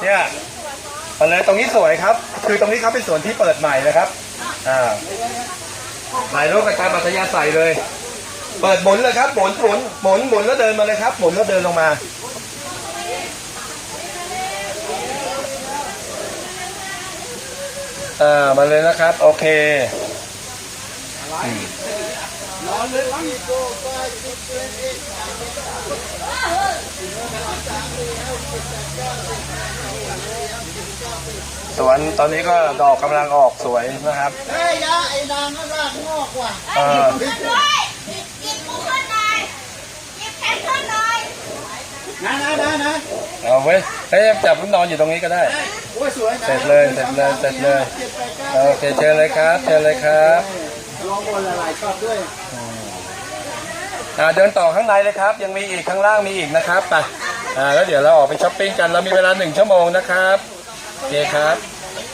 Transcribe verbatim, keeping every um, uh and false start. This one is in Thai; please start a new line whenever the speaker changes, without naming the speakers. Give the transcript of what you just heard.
เนี่ยมาเลยตรงนี้สวยครับคือตรงนี้เขาเป็นสวนที่เปิดใหม่นะครับอ่าถ่ายรูปกันตามอัธยาศัยเลยเปิดหมุนเลยครับหมุนหมุนหมุนหมุนแล้วเดินมาเลยครับหมุนแล้วเดินลงมาอ่ามาเลยนะครับโอเคสวนตอนนี้ก็ดอกกำลังออกสวยนะครับ
เฮ้ยยาไอ้นางก็รากงอกว่ะ
เออ
นะนะนะนะ
เอาไว้เฮ้ยจับลูกนอนอยู่ตรงนี้ก็ได้
โอ้ยสวย
เสร็จเลยเสร็จเลยเสร็จเลยโอเคเชิญเลยครับเชิญเลยครับ
ลองบนละลายชอบด้วย
อ่าเดินต่อข้างในเลยครับยังมีอีกข้างล่างมีอีกนะครับไปอ่าแล้วเดี๋ยวเราออกไปช้อปปิ้งกันเรามีเวลาหนึ่งชั่วโมงนะครับโอเคครับ